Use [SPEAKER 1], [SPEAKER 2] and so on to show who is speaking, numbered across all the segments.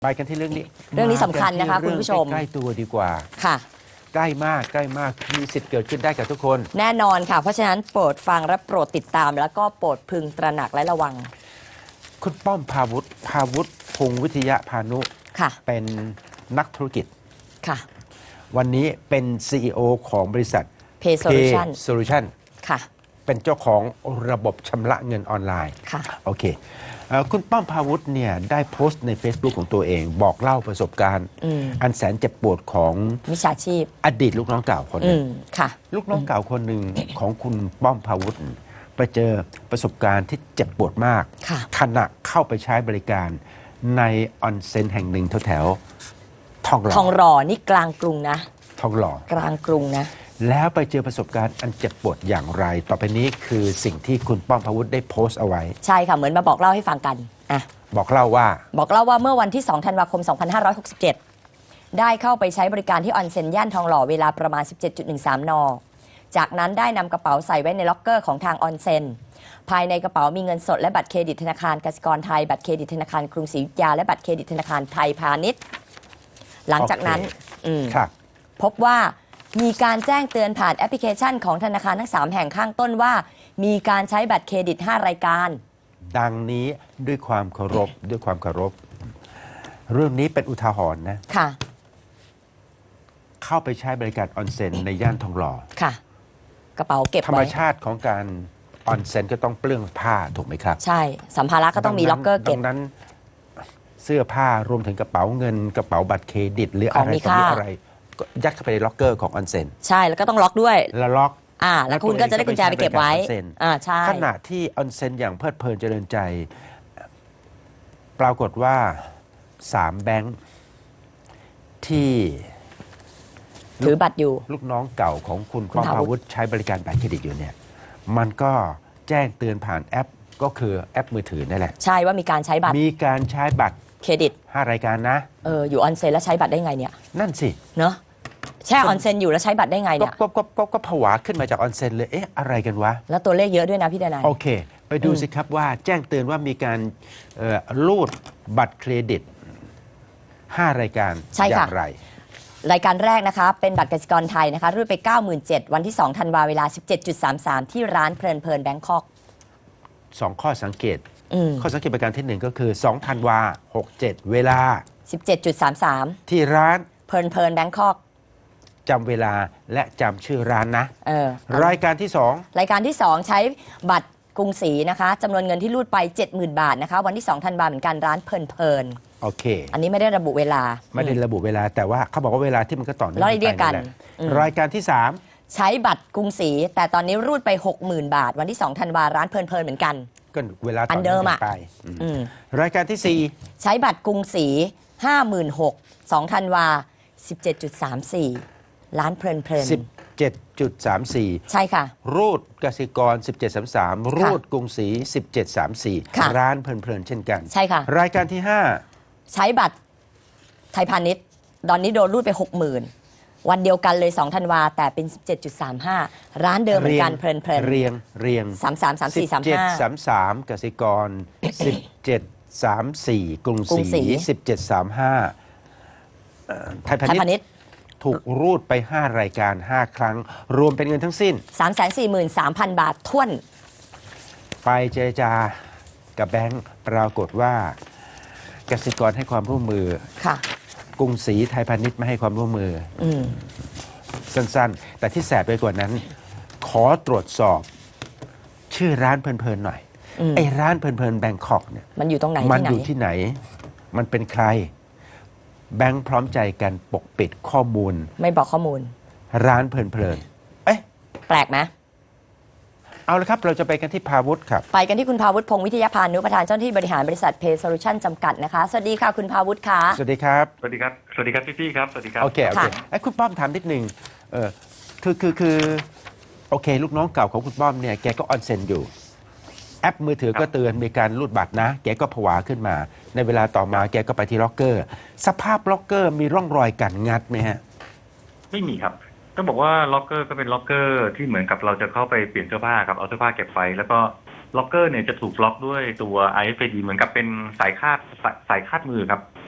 [SPEAKER 1] ไปกันที่เรื่องนี้
[SPEAKER 2] สำคัญนะคะคุณผู้ชม
[SPEAKER 1] ใกล้ตัวดีกว่า
[SPEAKER 2] ค่ะ
[SPEAKER 1] ใกล้มากมีสิทธิ์เกิดขึ้นได้กับทุกคน
[SPEAKER 2] แน่นอนค่ะเพราะฉะนั้นโปรดฟังและโปรดติดตามแล้วก็โปรดพึงตระหนักและระวัง
[SPEAKER 1] คุณป้อมภาวุฒิพงษ์วิทยาพานุ
[SPEAKER 2] ค่ะ
[SPEAKER 1] เป็นนักธุรกิจ
[SPEAKER 2] ค่ะ
[SPEAKER 1] วันนี้เป็น CEO ของบริษัท
[SPEAKER 2] Pay
[SPEAKER 1] Solution
[SPEAKER 2] ค่ะ
[SPEAKER 1] เป็นเจ้าของระบบชำระเงินออนไลน์
[SPEAKER 2] ค่ะ
[SPEAKER 1] โอเคคุณป้อมภาวุฒิเนี่ยได้โพสต์ใน Facebook ของตัวเองบอกเล่าประสบการณ์อันแสนเจ็บปวดของ
[SPEAKER 2] มิจฉาชีพ
[SPEAKER 1] อดีตลูกน้องเก่าคนหนึ่ง
[SPEAKER 2] ค่ะ
[SPEAKER 1] ลูกน้องเก่าคนหนึ่งของคุณป้อมภาวุฒิไปเจอประสบการณ์ที่เจ็บปวดมากขณะเข้าไปใช้บริการในออนเซ็นแห่งหนึ่งแถวๆทองหล่อ
[SPEAKER 2] นี่กลางกรุงนะ
[SPEAKER 1] ทองหล่อก
[SPEAKER 2] ลางกรุงนะ
[SPEAKER 1] แล้วไปเจอประสบการณ์อันเจ็บปวดอย่างไรต่อไปนี้คือสิ่งที่คุณป้อมภาวุฒิได้โพสต์เอาไว้
[SPEAKER 2] ใช่ค่ะเหมือนมาบอกเล่าให้ฟังกัน
[SPEAKER 1] บอกเล่าว่า
[SPEAKER 2] เมื่อวันที่2ธันวาคม2567ได้เข้าไปใช้บริการที่ออนเซ็นย่านทองหล่อเวลาประมาณ 17.13 น.จากนั้นได้นำกระเป๋าใส่ไว้ในล็อกเกอร์ของทางออนเซ็นภายในกระเป๋ามีเงินสดและบัตรเครดิตธนาคารกสิกรไทยบัตรเครดิตธนาคารกรุงศรีอยุธยาและบัตรเครดิตธนาคารไทยพาณิชย์หลังจากนั้นพบว่ามีการแจ้งเตือนผ่านแอปพลิเคชันของธนาคารทั้ง3แห่งข้างต้นว่ามีการใช้บัตรเครดิต5รายการ
[SPEAKER 1] ดังนี้ด้วยความเคารพเรื่องนี้เป็นอุทาหรณ์นะ
[SPEAKER 2] ค่ะ
[SPEAKER 1] เข้าไปใช้บริการออนเซ็นในย่านทองหล่อ
[SPEAKER 2] ค่ะกระเป๋าเก็บ
[SPEAKER 1] ธรรมชาติของการออนเซ็นก็ต้องเปลื้องผ้าถูกไหมครับ
[SPEAKER 2] ใช่สัมภาระก็ต้องมีล็อกเกอร์เก็บ
[SPEAKER 1] ดังนั้นเสื้อผ้ารวมถึงกระเป๋าเงินกระเป๋าบัตรเครดิตหรืออะไรต่อมีอะไรก็ยัดเข้าไปในล็อกเกอร์ของออนเซ็น
[SPEAKER 2] ใช่แล้วก็ต้องล็อกด้วย
[SPEAKER 1] แล้วล็อก
[SPEAKER 2] แล้วคุณก็จะได้กุญแจไปเก็บไว้ใช่
[SPEAKER 1] ขณะที่ออนเซ็นอย่างเพลิดเพลินเจริญใจปรากฏว่า3แบงค์ที่
[SPEAKER 2] ถือบัตรอยู่
[SPEAKER 1] ลูกน้องเก่าของคุณป้อมภาวุฒิใช้บริการบัตรเครดิตอยู่เนี่ยมันก็แจ้งเตือนผ่านแอปก็คือแอปมือถือนั่นแหละ
[SPEAKER 2] ใช่ว่ามีการใช้บัตรเครดิต
[SPEAKER 1] 5รายการนะ
[SPEAKER 2] อยู่ออนเซ็นแล้วใช้บัตรได้ไงเนี่ย
[SPEAKER 1] นั่นสิ
[SPEAKER 2] เนอะแช่ออนเซ็นอยู่แล้วใช้บัตรได้ไงเนี่ย
[SPEAKER 1] ก็ผวาขึ้นมาจากออนเซ็นเลยอะไรกันวะ
[SPEAKER 2] แล้วตัวเลขเยอะด้วยนะพี่ดนาย
[SPEAKER 1] โอเคไปดูสิครับว่าแจ้งเตือนว่ามีการรูดบัตรเครดิต5รายการอย่างไร
[SPEAKER 2] รายการแรกนะคะเป็นบัตรกสิกรไทยนะคะรูดไป 97,000 วันที่2ธันวาเวลา 17.33 ที่ร้านเพลินแบงคอก
[SPEAKER 1] 2ข้อสังเกตข้อสังเกตประการที่1ก็คือ2ธันวา67เวลา
[SPEAKER 2] 17.33
[SPEAKER 1] ที่ร้าน
[SPEAKER 2] เพลินแบงคอก
[SPEAKER 1] จำเวลาและจำชื่อร้านนะรายการที่
[SPEAKER 2] 2ใช้บัตรกรุงศรีนะคะจำนวนเงินที่รูดไป 70,000 บาทนะคะวันที่2ธันวาเหมือนกันร้านเพลิน
[SPEAKER 1] โอเค
[SPEAKER 2] อันนี้ไม่ได้ระบุเวลา
[SPEAKER 1] แต่ว่าเขาบอกว่าเวลาที่มันก็ต่อเนื่อง
[SPEAKER 2] กัน
[SPEAKER 1] รายการที่
[SPEAKER 2] 3ใช้บัตรกรุงศรีแต่ตอนนี้รูดไป 60,000 บาทวันที่2ธันวาร้านเพลินเหมือนกัน
[SPEAKER 1] ก็เวลาต่อเนื่องไปรายการที่
[SPEAKER 2] 4ใช้บัตรกรุงศรี 56,000 2ธันวา 17.34 ร้านเพลิน
[SPEAKER 1] 17.34
[SPEAKER 2] ใช่ค่ะ
[SPEAKER 1] รูดกสิกร1733รูดกรุงศรี1734ร้านเพลินเช่นกัน
[SPEAKER 2] ใช่ค่ะ
[SPEAKER 1] รายการที่
[SPEAKER 2] 5ใช้บัตรไทยพาณิชย์ตอนนี้โดนรูดไป 60,000 วันเดียวกันเลย2ธันวาแต่เป็น 17.35 ร้านเดิมเหมือนกันเพลิน
[SPEAKER 1] เรียง1733กสิกร1734กรุงศรี1735ไทยพาณิชย์ถูกรูดไป5รายการ5ครั้งรวมเป็นเงินทั้งสิ้น
[SPEAKER 2] 343,000 บาทถ้วน
[SPEAKER 1] ไปเจรจากับแบงก์ปรากฏว่ากสิกรให้ความร่วมมือ
[SPEAKER 2] ค่ะ
[SPEAKER 1] กรุงศรีไทยพาณิชย์ไม่ให้ความร่วมมือสั้นๆแต่ที่แสบไปกว่านั้นขอตรวจสอบชื่อร้านเพลินหน่อยไอ้ร้านเพลินแบงคอกเนี่ย
[SPEAKER 2] มันอยู่ตรงไหน
[SPEAKER 1] มันอยู่ที่ไหนมันเป็นใครแบงค์พร้อมใจกันปกปิดข้อมูล
[SPEAKER 2] ไม่บอกข้อมูล
[SPEAKER 1] ร้านเพลิน
[SPEAKER 2] แปลกไหม
[SPEAKER 1] เอาละครับเราจะไปกันที่ภาวุฒิครับ
[SPEAKER 2] ไปกันที่คุณภาวุฒิพงษ์วิทยาพานุประธานเจ้าหน้าที่บริหารบริษัท Pay Solution จำกัดนะคะสวัสดีค่ะคุณภาวุฒิค่ะ
[SPEAKER 1] สวัสดีครับ
[SPEAKER 3] พี่ครับสวัสดีครับ
[SPEAKER 1] โอเคไอ้คุณป้อมถามนิดนึงคือโอเคลูกน้องเก่าของคุณป้อมเนี่ยแกก็ออนเซ็นอยู่แอปมือถือก็เตือนมีการรูดบัตรนะแกก็ผวาขึ้นมาในเวลาต่อมาแกก็ไปที่ล็อกเกอร์สภาพล็อกเกอร์มีร่องรอยการงัดไหมฮะ
[SPEAKER 3] ไม่มีครับต้องบอกว่าล็อกเกอร์ก็เป็นล็อกเกอร์ที่เหมือนกับเราจะเข้าไปเปลี่ยนเสื้อผ้าครับเอาเสื้อผ้าเก็บไว้แล้วก็ล็อกเกอร์เนี่ยจะถูกล็อกด้วยตัว RFID เหมือนกับเป็นสายคาดมือครับ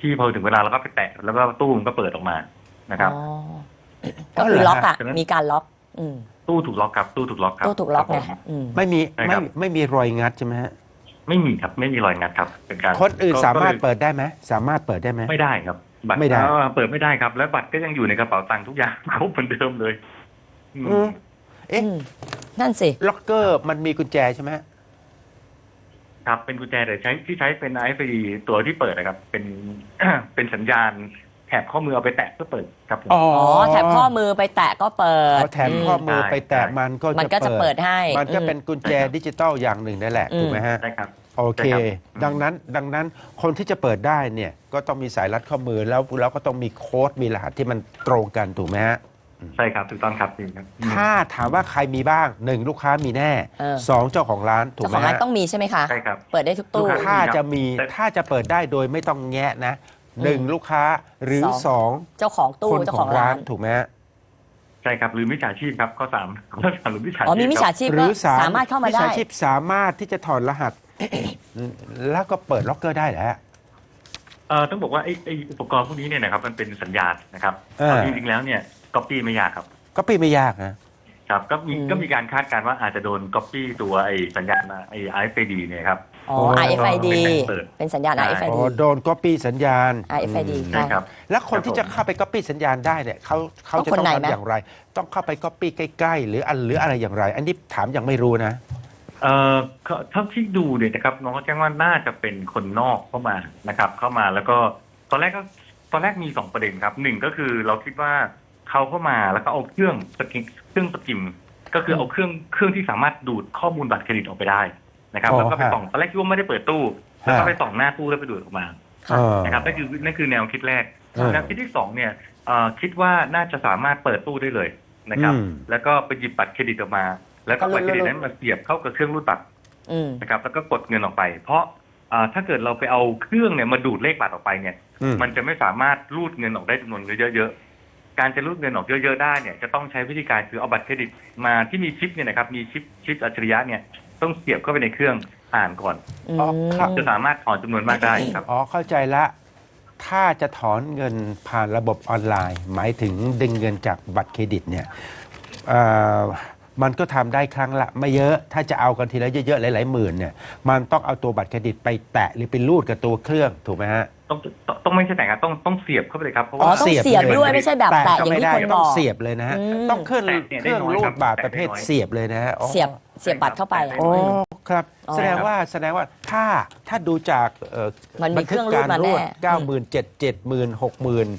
[SPEAKER 3] ที่พอถึงเวลาเราก็ไปแตะแล้วก็ตู้มันก็เปิดออกมานะครับ
[SPEAKER 2] อ๋อก็คือล็อกอ่ะ
[SPEAKER 3] ฉะนั้น
[SPEAKER 2] มีการล็อก อืม
[SPEAKER 3] ตู้ถูกล็อกครับตู้ถูกล็อกครับ
[SPEAKER 2] ตู้ถูกล็อก
[SPEAKER 3] ค
[SPEAKER 2] ไง
[SPEAKER 3] รับผม
[SPEAKER 2] อืม
[SPEAKER 1] ไม่มี
[SPEAKER 3] ใช่ครับ
[SPEAKER 1] ไม่มีรอยงัดใช่ไหมฮะ
[SPEAKER 3] ไม่มีครับไม่มีรอยงัดครับเป็นการ
[SPEAKER 1] คนอื่น
[SPEAKER 3] ก็
[SPEAKER 1] สามารถ
[SPEAKER 3] ก็ลย
[SPEAKER 1] เปิดได้ไหมสามารถเปิดได้ไหม
[SPEAKER 3] ไม่ได้ครับบัตร
[SPEAKER 1] ไม่ได้
[SPEAKER 3] เปิดไม่ได้ครับ และบัตรก็ยังอยู่ในกระเป๋าตังค์ทุกอย่าง ครบเหมือนเดิมเลยอืม
[SPEAKER 1] อืมเอ๊ะ
[SPEAKER 2] อืมนั่นสิ
[SPEAKER 1] ล็อกเกอร์มันมีกุญแจใช่ไหมฮะ
[SPEAKER 3] ครับเป็นกุญแจแต่ใช้เป็น RFID ตัวที่เปิดนะครับ เป็น เป็นสัญญาณแถบข้อมือเอาไปแตะเพื่อเปิดครับผม
[SPEAKER 1] อ๋อ
[SPEAKER 2] อ๋อ แถบข้อมือไปแตะก็เปิด
[SPEAKER 1] พอแถมข้อมือไปแตะ
[SPEAKER 3] ใช่
[SPEAKER 1] มันก็
[SPEAKER 2] มันก็จะเปิดให้
[SPEAKER 1] มันก็
[SPEAKER 2] อืม
[SPEAKER 1] เป็นกุญแจดิจิตอลอย่างหนึ่งนั่นแหละ
[SPEAKER 2] อืม
[SPEAKER 1] ถูกไหมฮะ
[SPEAKER 3] ใช่ครับ
[SPEAKER 1] โอเค
[SPEAKER 3] ใช่ครับ
[SPEAKER 1] ดังนั้นคนที่จะเปิดได้เนี่ยก็ต้องมีสายรัดข้อมือแล้วก็ต้องมีโค้ดมีรหัสที่มันตรงกันถูกไหมฮะ
[SPEAKER 3] ใช่ครับถูกต้องครับจริงครับ
[SPEAKER 1] ถ้าถามว่าใครมีบ้างหนึ่งลูกค้ามีแน่
[SPEAKER 2] เออ
[SPEAKER 1] สองเจ้าของร้านถูก
[SPEAKER 2] เจ้า
[SPEAKER 1] ไห
[SPEAKER 2] ข
[SPEAKER 1] ม
[SPEAKER 2] องร้าน
[SPEAKER 1] ฮะ
[SPEAKER 2] ต้องมีใช่ไหมคะ
[SPEAKER 3] ใช่ครับ
[SPEAKER 2] เปิดได้ทุกตู้
[SPEAKER 3] ลูกค้
[SPEAKER 1] ถ้าจะมี
[SPEAKER 3] แต่
[SPEAKER 1] ถ้าจะเปิดได้โดยไม่ต้องแงะนะหนึ่งลูกค้าหรือ
[SPEAKER 2] สอง
[SPEAKER 1] สอง
[SPEAKER 2] เจ้าของตู้
[SPEAKER 1] คน
[SPEAKER 2] เจ้า
[SPEAKER 1] ข
[SPEAKER 2] ข
[SPEAKER 1] อ
[SPEAKER 2] อง ง
[SPEAKER 1] ร้า
[SPEAKER 2] ร้าน น
[SPEAKER 1] ถูกไหมฮะ
[SPEAKER 3] ใช่ครับหรือมิจฉาชีพครับข้อสามหรือมิจฉาชีพ
[SPEAKER 2] อ๋อมีมิจฉา
[SPEAKER 3] ครับ
[SPEAKER 2] ชีพ
[SPEAKER 1] ห
[SPEAKER 2] ก็
[SPEAKER 1] รือสาม
[SPEAKER 2] สามารถเข้ามา
[SPEAKER 1] มิจ
[SPEAKER 2] ได้
[SPEAKER 1] ฉาชีพสามารถที่จะถอดรหัส แล้วก็เปิดล็อกเกอร์ได้แหละ
[SPEAKER 3] ต้องบอกว่าไอ้อุปกรณ์พวกนี้เนี่ยนะครับมันเป็นสัญญาณนะครับ
[SPEAKER 1] เออ
[SPEAKER 3] จริงๆแล้วเนี่ยก๊อปปี้ไม่ยากครับ
[SPEAKER 1] ก็ปีไม่ยากนะ
[SPEAKER 3] ครับก็มี
[SPEAKER 2] อืม
[SPEAKER 3] ก็มีการคาดการณ์ว่าอาจจะโดนก๊อปปี้ตัวไอ้สัญญาณไอ้ RFID เนี่ยครับ
[SPEAKER 2] อ๋อ
[SPEAKER 1] โอ้
[SPEAKER 2] RFID
[SPEAKER 3] เปิด
[SPEAKER 2] เป็นสัญญาณ
[SPEAKER 3] ใช่
[SPEAKER 1] อ๋
[SPEAKER 2] RFID
[SPEAKER 1] อโดนก๊อปปี้สัญญาณ
[SPEAKER 2] RFID
[SPEAKER 1] อืม
[SPEAKER 3] ใช่ครับ
[SPEAKER 1] แล้วคนที่
[SPEAKER 3] ครับ
[SPEAKER 1] จะเข้าไปก๊อปปี้สัญญาณได้เนี่ยเขาจะ
[SPEAKER 2] ต้องคน
[SPEAKER 1] ต้อง
[SPEAKER 2] ไหนไหม
[SPEAKER 1] ทำอย่างไร ต้องเข้าไปก๊อปปี้ใกล้ๆหรืออะไรอย่างไร อันนี้ถามยังไม่รู้นะ
[SPEAKER 3] เท่าที่ดูเนี่ยนะครับน้องก็แจ้งว่าน่าจะเป็นคนนอกเข้ามานะครับ เข้ามาแล้วก็ตอนแรกมีสองประเด็นครับหนึ่งก็คือเราคิดว่าเขาเข้ามาแล้วก็เอาเครื่องสกิมก็คือเอาเครื่องที่สามารถดูดข้อมูลบัตรเครดิตออกไปได้นะครับ
[SPEAKER 1] อ๋อ
[SPEAKER 3] แล้วก็ไป
[SPEAKER 1] ฮะ
[SPEAKER 3] ส่องตอนแรกคิดว่าไม่ได้เปิดตู้แล้วก็ไปส่องหน้าตู้แล้วไปดูดออกมา
[SPEAKER 2] ค่ะ
[SPEAKER 3] นะครับนั่นคือแนวคิดแรก
[SPEAKER 1] เออ
[SPEAKER 3] แนวคิดที่สองเนี่ยคิดว่าน่าจะสามารถเปิดตู้ได้เลยนะครับ
[SPEAKER 1] อืม
[SPEAKER 3] แล้วก็ไปหยิบบัตรเครดิตออกมา แล้วก็บัตรเครดิตนั้นมาเสียบเข้ากับเครื่องรูดบัตร
[SPEAKER 2] อืม
[SPEAKER 3] นะครับแล้วก็กดเงินออกไป เพราะถ้าเกิดเราไปเอาเครื่องเนี่ยมาดูดเลขบัตรออกไปเนี่ย
[SPEAKER 1] อืม
[SPEAKER 3] มันจะไม่สามารถรูดเงินออกได้จำนวนเยอะๆการจะรูดเงินออกเยอะๆได้เนี่ยจะต้องใช้วิธีการคือเอาบัตรเครดิตมาที่มีชิปเนี่ยนะครับมีชิปอัจฉริยะเนี่ยต้องเสียบเข้าไปในเครื่องอ่านก่อน
[SPEAKER 2] อื
[SPEAKER 1] อ๋อครับ
[SPEAKER 2] ม
[SPEAKER 3] จะสามารถถอนจำนวนมากได้ครับ
[SPEAKER 1] อ๋อเข้าใจละ ถ้าจะถอนเงินผ่านระบบออนไลน์ หมายถึงดึงเงินจากบัตรเครดิตเนี่ยเอ่อมันก็ทำได้ครั้งละไม่เยอะ ถ้าจะเอากันทีละเยอะๆหลายๆหมื่นเนี่ยมันต้องเอาตัวบัตรเครดิตไปแตะหรือไปรูดกับตัวเครื่องถูกไหมฮะ
[SPEAKER 3] ต้องไม่ใช่แต่งครับต้องเสียบเข้าไปเลยครับเพราะ
[SPEAKER 2] อ๋อ
[SPEAKER 3] ว่า
[SPEAKER 2] ต้องเสียบด้วยไม่ใช่แบบแตะอย่างที่
[SPEAKER 1] ไม่ได้
[SPEAKER 2] คนบ
[SPEAKER 1] ต้อ
[SPEAKER 2] อง ก
[SPEAKER 1] เสียบเลยนะฮะ
[SPEAKER 2] อืม
[SPEAKER 1] ต้องเครื่อง
[SPEAKER 3] แตะเนี่ย
[SPEAKER 1] เครื่อง
[SPEAKER 3] ได้น้อย
[SPEAKER 1] รู
[SPEAKER 3] ครั
[SPEAKER 1] ด
[SPEAKER 3] บ
[SPEAKER 1] บัตร
[SPEAKER 3] แตะ
[SPEAKER 1] ประเภท
[SPEAKER 3] ได้น้อย
[SPEAKER 1] เสียบเลยนะฮะอ๋อ
[SPEAKER 2] เสียบบัตรเข้าไป
[SPEAKER 3] ใช่
[SPEAKER 1] อ๋อครับ
[SPEAKER 2] อ๋อ
[SPEAKER 1] แสดงว่าถ้าดูจาก
[SPEAKER 2] มันมีเครื่องรูดมาแน่
[SPEAKER 1] 90,000 70,000 60,000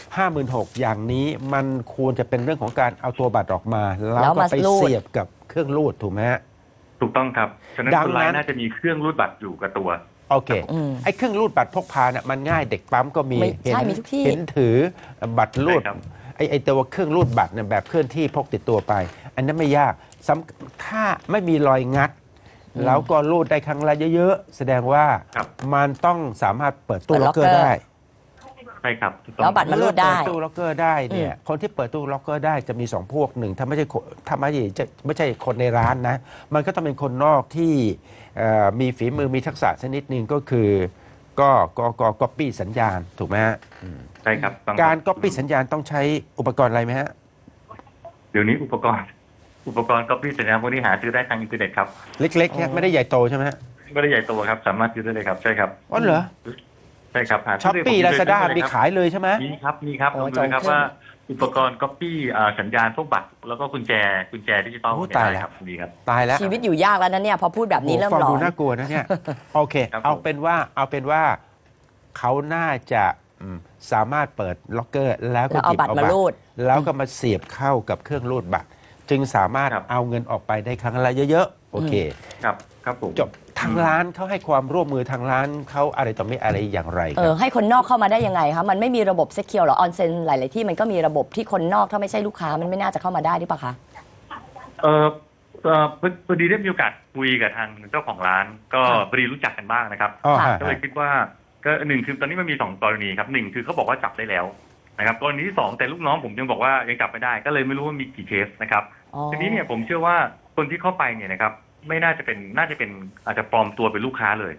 [SPEAKER 1] 56,000อย่างนี้มันควรจะเป็นเรื่องของการเอาตัวบัตรออกมา แล้วก็ไปเสียบกับเครื่องรูดถูกไหมฮะ
[SPEAKER 3] ถูกต้องครับฉะนั้น
[SPEAKER 1] ดัง
[SPEAKER 3] คนร้าย
[SPEAKER 1] นั้น
[SPEAKER 3] น่าจะมีเครื่องรูดบัตรอยู่กับตัว
[SPEAKER 1] โอเค
[SPEAKER 2] อืม
[SPEAKER 1] ไอ้เครื่องรูดบัตรพกพาเนี่ยมันง่ายเด็กปั๊มก็มี
[SPEAKER 2] ไม่
[SPEAKER 1] เห็น
[SPEAKER 2] ใช่มีทุกที่
[SPEAKER 1] เห็นถือบัตรรูด
[SPEAKER 3] ใช่ครับ
[SPEAKER 1] ไอ้ตัวเครื่องรูดบัตรเนี่ยแบบเคลื่อนที่พกติดตัวไป อันนั้นไม่ยากถ้าไม่มีรอยงัด แล้วก็รูดได้ครั้งละเยอะๆ แสดงว่า
[SPEAKER 3] ครับ
[SPEAKER 1] มันต้องสามารถเปิดตู้
[SPEAKER 2] เปิด
[SPEAKER 1] ล็อกเกอร์
[SPEAKER 2] ล็อกเกอร์
[SPEAKER 1] ได้
[SPEAKER 3] ใช่ครับถูกต้อง
[SPEAKER 2] แล้วบัตรมันรูดได้
[SPEAKER 1] เปิตู้ล็อกเกอร์ได้เนี่ยคนที่เปิดตู้ล็อกเกอร์ได้จะมีสองพวกหนึ่งถ้าไม่ใช่ไม่ใช่คนในร้านนะ มันก็ต้องเป็นคนนอกที่มีฝีมือมีทักษะชนิดหนึ่งก็คือก็ก๊อปปี้สัญญาณถูกไหมฮะ
[SPEAKER 3] ใช่ครับต้อง
[SPEAKER 1] การก๊อปปี้สัญญาณต้องใช้อุปกรณ์อะไรไหมฮะ
[SPEAKER 3] เดี๋ยวนี้อุปกรณ์ก๊อปปี้สัญญาณพวกนี้หาซื้อได้ทางอินเทอร์เน็ตครับ
[SPEAKER 1] เล็กๆเนี่ยไม่ได้ใหญ่โตใช่ไหมฮะ
[SPEAKER 3] ไม่ได้ใหญ่โตครับ สามารถซื้อได้เลยครับใช่ครับ
[SPEAKER 1] อ๋อเหรอ
[SPEAKER 3] ใช่ครับหา
[SPEAKER 1] ช้อป
[SPEAKER 3] ซื้
[SPEAKER 1] ปี้
[SPEAKER 3] ได้
[SPEAKER 1] ลาซาด้า
[SPEAKER 3] ผมเคยซื้อ
[SPEAKER 1] มีขายเลยใช่ไหม
[SPEAKER 3] มีครับ
[SPEAKER 2] โอ้
[SPEAKER 3] ลองดูนะครับ
[SPEAKER 2] จองเครื่อง
[SPEAKER 3] ว่าอุปกรณ์ก๊อปปี้สัญญาณพวกบัตรแล้วก็กุญแจดิจิตอล
[SPEAKER 1] โอ้
[SPEAKER 3] เนี่ย
[SPEAKER 1] ตาย
[SPEAKER 3] ได้
[SPEAKER 1] แล้ว
[SPEAKER 3] ครับมีครับ
[SPEAKER 1] ตายแล้ว
[SPEAKER 2] ชีวิตอยู่ยากแล้วนะเนี่ย พอพูดแบบนี้เริ่ม
[SPEAKER 1] ฟัง
[SPEAKER 2] หลอ
[SPEAKER 1] ดู
[SPEAKER 2] น
[SPEAKER 1] น่ากลัวนะเนี่ย โอเค
[SPEAKER 3] ครับผม
[SPEAKER 1] เอาเป็นว่าเขาน่าจะสามารถเปิดล็อกเกอร์ แล้วก็
[SPEAKER 2] แล้วเอา
[SPEAKER 1] หยิบ
[SPEAKER 2] บัตร
[SPEAKER 1] เอา
[SPEAKER 2] มา
[SPEAKER 1] บัตร
[SPEAKER 2] รูด
[SPEAKER 1] แล้วก็มาเสียบเข้ากับเครื่องรูดบัตร จึงสามารถ
[SPEAKER 3] ครับ
[SPEAKER 1] เอาเงินออกไปได้ครั้งละเยอะๆ โอเค
[SPEAKER 3] ครับผม
[SPEAKER 1] จบทางร้านเขาให้ความร่วมมือทางร้านเขาอะไรต่อไม่อะไรอย่างไรค
[SPEAKER 2] เอ
[SPEAKER 1] รั
[SPEAKER 2] อบ ให้คนนอกเข้ามาได้ยังไงคะมันไม่มีระบบเซ็กเคียวหรอออนเซ็นหลาย ๆ ที่มันก็มีระบบที่คนนอกถ้าไม่ใช่ลูกค้ามันไม่น่าจะเข้ามาได้หรือเปล่าคะ
[SPEAKER 3] พอดีได้มีโอกาสคุยกับทางเจ้าของร้าน ก็
[SPEAKER 2] ค่ะ
[SPEAKER 3] พอดีรู้จักกันบ้างนะครับ
[SPEAKER 1] อ๋อฮะ
[SPEAKER 3] ก็เลยคิดว่าก็หนึ่งคือตอนนี้มันมีสองกรณีครับหนึ่งคือเขาบอกว่าจับได้แล้วนะครับกรณีที่สองแต่ลูกน้องผมยังบอกว่ายังจับไม่ได้ก็เลยไม่รู้ว่ามีกี่เคสนะครับ
[SPEAKER 2] อ๋อ
[SPEAKER 3] ทีนี้เนี่ยผมเชื่อว่าคนที่เข้าไปเนี่ยนะครับไม่น่าจะเป็นอาจจะปลอมตัวเป็นลูกค้าเลย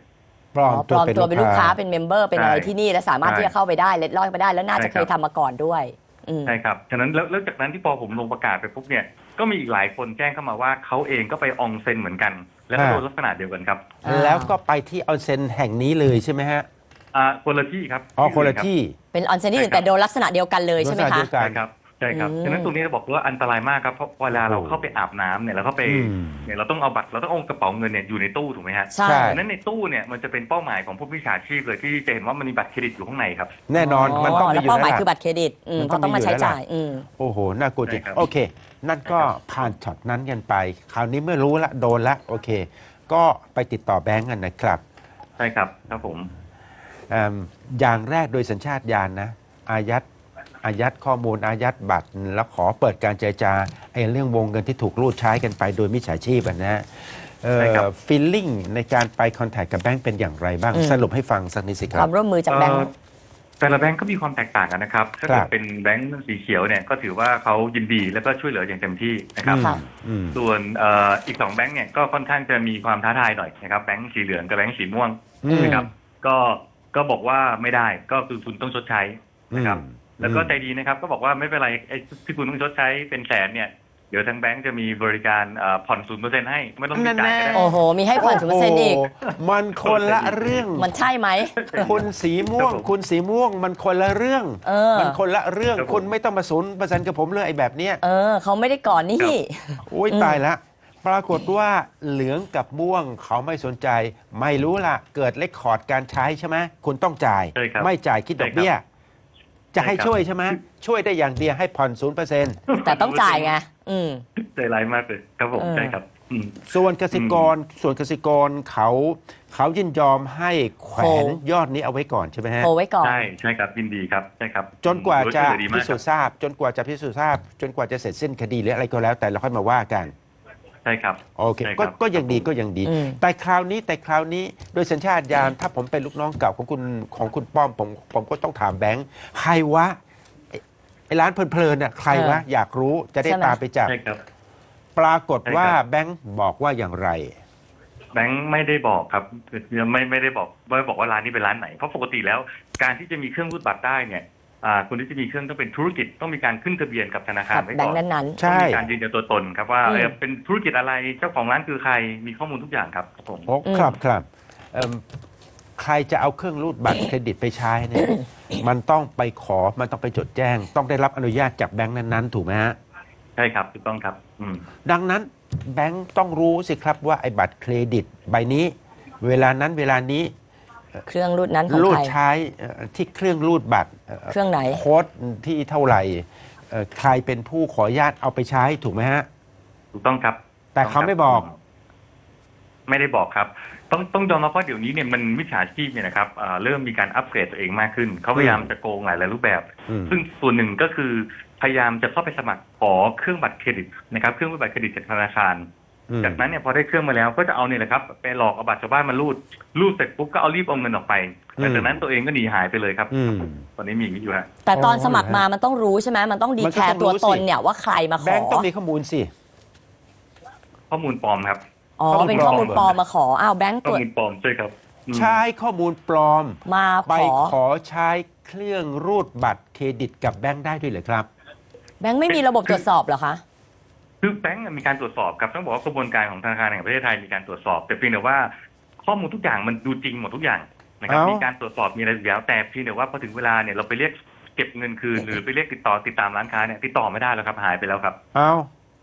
[SPEAKER 1] ปลอม
[SPEAKER 2] ปลอมตัวเป็นลูกค้าเป็นเมมเบอร์เป็นอะไร
[SPEAKER 3] ใช่
[SPEAKER 2] ที่นี่แล้วสามารถ
[SPEAKER 3] ใช่
[SPEAKER 2] ที่จะเข้าไปได้เล็ดลอดไปได้แล้วน่าจะ
[SPEAKER 3] ใช่ครับ
[SPEAKER 2] เคยทำมาก่อนด้วยอืม
[SPEAKER 3] ใช่ครับ ฉะนั้นแล้วจากนั้นที่พอผมลงประกาศไปปุ๊บเนี่ย ก็มีอีกหลายคนแจ้งเข้ามาว่าเขาเองก็ไปอองเซ็นเหมือนกัน แล้วก็โดนลักษณะเดียวกันครับ
[SPEAKER 1] แล้วก็ไปที่ออนเซ็นแห่งนี้เลยใช่ไหมฮะ
[SPEAKER 3] คนละที่ครับ
[SPEAKER 1] อ๋อคนละที่
[SPEAKER 2] เป็นออนเซ็นที่อื่นแต่โดนลักษณะเดียวกันเลยใช่ไหม
[SPEAKER 1] ลักษณะ
[SPEAKER 2] คะ
[SPEAKER 1] เดียวกัน
[SPEAKER 3] ใช่ครับใช่ครับ
[SPEAKER 2] อืม
[SPEAKER 3] ฉะนั้นตรงนี้เราบอกว่าอันตรายมากครับ เพราะเวลาเราเข้าไปอาบน้ำเนี่ยเราเข้าไป
[SPEAKER 1] อืม
[SPEAKER 3] เนี่ยเราต้องเอาบัตรเราต้องเอากระเป๋าเงินเนี่ยอยู่ในตู้ถูกไหมฮะ
[SPEAKER 2] ใช่
[SPEAKER 1] ใช่
[SPEAKER 3] ฉะนั้นในตู้เนี่ยมันจะเป็นเป้าหมายของผู้มิจฉาชีพเลยที่จะเห็นว่ามันมีบัตรเครดิตอยู่ข้างในครับ
[SPEAKER 1] แน่นอนมันต้องมี
[SPEAKER 2] แล้ว
[SPEAKER 1] อยู่
[SPEAKER 2] เป้าห
[SPEAKER 1] แล้
[SPEAKER 2] มายว
[SPEAKER 1] ล่ะ
[SPEAKER 2] คือบัตรเครดิต
[SPEAKER 1] มันต้
[SPEAKER 2] ก็
[SPEAKER 1] อง
[SPEAKER 2] ต้องมา
[SPEAKER 1] มีอยู่
[SPEAKER 2] ใช้
[SPEAKER 1] แล้วล่ะ
[SPEAKER 2] จ่าย
[SPEAKER 1] โอ้โหน่ากลัวจริง
[SPEAKER 3] ใช่ครับ
[SPEAKER 1] โอเค นั่นก็ผ่านช็อตนั้นกันไป คราวนี้เมื่อรู้ละโดนละโอเค ก็ไปติดต่อแบงก์กันนะครับ
[SPEAKER 3] ใช่ครับครับผม
[SPEAKER 1] อย่างแรกโดยสัญชาตญาณนะอายัดข้อมูลอายัดบัตร แล้วขอเปิดการเจรจาไอ้เรื่องวงเงินที่ถูกรูดใช้กันไปโดยมิจฉาชีพนะฮะ
[SPEAKER 3] ใช่ครับ
[SPEAKER 1] ฟีลลิ่งในการไปคอนแทคกับแบงก์เป็นอย่างไรบ้าง
[SPEAKER 2] อืม
[SPEAKER 1] สรุปให้ฟังสักนิดสิค
[SPEAKER 2] ครับ วามร่วมมือจากแบงค์
[SPEAKER 3] แต่ละแบงก์ก็มีความแตกต่างกันนะครับ ถ้า
[SPEAKER 1] ครั
[SPEAKER 3] เกิด
[SPEAKER 1] บ
[SPEAKER 3] เป็นแบงก์สีเขียวเนี่ยก็ถือว่าเขายินดีแล้วก็ช่วยเหลืออย่างเต็มที่นะครับ
[SPEAKER 2] ค่ะ
[SPEAKER 1] อืม
[SPEAKER 3] ส่วนอีก2แบงก์เนี่ยก็ค่อนข้างจะมีความท้าทายหน่อยนะครับแบงก์สีเหลืองกับแบงก์สีม่วง
[SPEAKER 1] อืม
[SPEAKER 3] นะครับก็บอกว่าไม่ได้ก็คือคุณต้องชดใช้นะครับ แล้วก็ใจดีนะครับก็บอกว่าไม่เป็นไรไอ้ที่คุณต้องชดใช้เป็นแสนเนี่ยเดี๋ยวทางแบงก์จะมีบริการผ่อน0%ให้ไม่ต้องมีจ่ายก็ได้
[SPEAKER 2] โอ้โห มีให้ผ่อน0%อีก
[SPEAKER 1] โโหมันคนละเรื่อง
[SPEAKER 2] มันใช่ไหม
[SPEAKER 1] คุณสีม่วง
[SPEAKER 3] ครับผม
[SPEAKER 1] คุณสีม่วง มันคนละเรื่อง
[SPEAKER 2] เออ
[SPEAKER 1] มันคนละเรื่อง
[SPEAKER 3] ครับผม
[SPEAKER 1] คุณไม่ต้องมา0%กับผมเลยไอ้แบบเนี้ย
[SPEAKER 2] เขาไม่ได้ก่อนนี่
[SPEAKER 1] โอ้ยตายละ ปรากฏว่าเหลืองกับม่วงเขาไม่สนใจ ไม่รู้ล่ะ เกิดเลคคอร์ดการใช้ใช่ไหมคุณต้องจ่าย
[SPEAKER 3] ใช่ครับ
[SPEAKER 1] ไม่จ่ายคิดดอกเบี้ย จะให้
[SPEAKER 3] ใช่ครับ
[SPEAKER 1] ช่วยใช่ไหมช่วยได้อย่างเดียวให้ผ่อน0%
[SPEAKER 2] แต่ต้องจ่ายไง
[SPEAKER 3] ใจร้ายมากเลยครับผม
[SPEAKER 2] เออ
[SPEAKER 3] ใช่ครับอืม
[SPEAKER 1] ส่วนกสิกรเขายินยอมให้แขวนยอดนี้เอาไว้ก่อนใช่ไหมฮะ
[SPEAKER 2] โทรไว้ก่อน
[SPEAKER 3] ใช่ครับยินดีครับใช่ครับ
[SPEAKER 1] จนกว่าจะ
[SPEAKER 3] โดยช่วยเหลือดีม
[SPEAKER 1] พิ
[SPEAKER 3] ก
[SPEAKER 1] สู
[SPEAKER 3] ค
[SPEAKER 1] จ
[SPEAKER 3] บ
[SPEAKER 1] น์ทราบ จนกว่าจะพิสูจน์ทราบ จนกว่าจะเสร็จสิ้นคดีหรืออะไรก็แล้วแต่เราค่อยมาว่ากัน
[SPEAKER 3] ใช่ครับ
[SPEAKER 1] โอเค
[SPEAKER 3] ใช่ค
[SPEAKER 1] ก็
[SPEAKER 3] รับ
[SPEAKER 1] ก็ยังดีก็ยังดี
[SPEAKER 2] อืม
[SPEAKER 1] แต่คราวนี้โดยสัญชาตญาณถ้าผมเป็นลูกน้องเก่าของคุณป้อมผมก็ต้องถามแบงค์ใครวะไอ้ร้านเพลินๆน่ะใครวะอยากรู้จะได้
[SPEAKER 2] ใช่ไหม
[SPEAKER 1] ตามไปจับ
[SPEAKER 3] ใช่ครับ
[SPEAKER 1] ปรากฏว่า
[SPEAKER 3] ใช่ครับ
[SPEAKER 1] แบงค์บอกว่าอย่างไร
[SPEAKER 3] แบงค์ไม่ได้บอกครับคือไม่ได้บอกว่าร้านนี้เป็นร้านไหน เพราะปกติแล้วการที่จะมีเครื่องรูดบัตรได้เนี่ยคนที่จะมีเครื่องต้องเป็นธุรกิจต้องมีการขึ้นทะเบียนกับธนาคาร
[SPEAKER 2] กับ
[SPEAKER 3] ไว้
[SPEAKER 2] แบ
[SPEAKER 3] ก่
[SPEAKER 2] ง
[SPEAKER 3] อน
[SPEAKER 2] ค์นั้น
[SPEAKER 1] ใช่
[SPEAKER 3] ต้องมีการยืนยันตัวตนครับว่า
[SPEAKER 2] อืม
[SPEAKER 3] เป็นธุรกิจอะไรเจ้าของร้านคือใครมีข้อมูลทุกอย่างครับผม
[SPEAKER 1] โอ้ครับใครจะเอาเครื่องรูดบัตรเครดิตไปใช้เนี่ย มันต้องไปมันต้องไปจดแจ้ง ต้องได้รับอนุญาตจากแบงค์นั้นๆ ถูกไหมฮะ
[SPEAKER 3] ใช่ครับถูกต้องครับ
[SPEAKER 1] ดังนั้นแบงค์ต้องรู้สิครับว่าไอ้บัตรเครดิตใบนี้ เวลานั้นเวลานี้
[SPEAKER 2] ๆ เครื่องรูดนั้นของ
[SPEAKER 1] รูด
[SPEAKER 2] ใคร
[SPEAKER 1] ใช้ที่เครื่องรูดบัตร
[SPEAKER 2] เครื่องไหน
[SPEAKER 1] โค้ดที่เท่าไหร่ใครเป็นผู้ขออนุญาตเอาไปใช้ถูกไหมฮะ
[SPEAKER 3] ถูกต้องครับ
[SPEAKER 1] แต่เขาไม่บอก
[SPEAKER 3] ไม่ได้บอกครับ ต้องยอมรับว่าเดี๋ยวนี้เนี่ยมันมิจฉาชีพเนี่ยนะครับเริ่มมีการอัปเกรดตัวเองมากขึ้นเขาพยายามจะโกงหลายรูปแบบ
[SPEAKER 1] อืม
[SPEAKER 3] ซึ่งส่วนหนึ่งก็คือพยายามจะเข้าไปสมัครขอเครื่องบัตรเครดิตนะครับเครื่องรูดบัตรเครดิตจากธนาคาร จากนั้นเนี่ยพอได้เครื่องมาแล้วก็จะเอาเนี่ยแหละครับไปหลอกเอาบัตรชาวบ้านมารูดเสร็จปุ๊บก็เอารีบเอาเงินออกไปแต่จากนั้นตัวเองก็หนีหายไปเลยครับ
[SPEAKER 1] อืม
[SPEAKER 3] ตอนนี้มีอย่างนี้อยู่ฮะ
[SPEAKER 2] แต่ตอนสมัครมามันต้องรู้ใช่ไหมมันต้องดี
[SPEAKER 1] มัน
[SPEAKER 2] แค
[SPEAKER 1] ก็
[SPEAKER 2] ร์
[SPEAKER 1] ต้องรู้
[SPEAKER 2] ตัวตน
[SPEAKER 1] สิ
[SPEAKER 2] เนี่ยว่าใครมาข
[SPEAKER 1] แบ
[SPEAKER 2] อ
[SPEAKER 1] งค์ต้องมีข้อมูลสิ
[SPEAKER 3] ข้อมูลปลอมครับ
[SPEAKER 2] อ๋อ เป็นข้อมูลปลอมมาขอ อ้าวแบงค์
[SPEAKER 3] ข้
[SPEAKER 2] ต
[SPEAKER 3] อ
[SPEAKER 2] รวจ
[SPEAKER 3] มูลปลอมใช่ครับอืม
[SPEAKER 1] ใช้ข้อมูลปลอม
[SPEAKER 2] มา
[SPEAKER 1] ไป
[SPEAKER 2] ขอ
[SPEAKER 1] ขอใช้เครื่องรูดบัตรเครดิตกับแบงค์ได้ด้วยเหรอครับ
[SPEAKER 2] แบงค์ไม่มีระบบตรวจสอบเหรอคะ
[SPEAKER 3] คือแบงก์มีการตรวจสอบครับต้องบอกว่ากระบวนการของธนาคารแห่งประเทศไทยมีการตรวจสอบ แต่เพียงแต่ว่าข้อมูลทุกอย่างมันดูจริงหมดทุกอย่างนะครับ
[SPEAKER 1] เอ้ามี
[SPEAKER 3] มีการตรวจสอบมีอะไรอยู่แล้วแต่เพียงแต่ว่าพอถึงเวลาเนี่ยเราไปเรียกเก็บเงินคืนหรือไปเรียกติดตามร้านค้าเนี่ยติดต่อไม่ได้แล้วครับหายไปแล้วครับ
[SPEAKER 1] เอา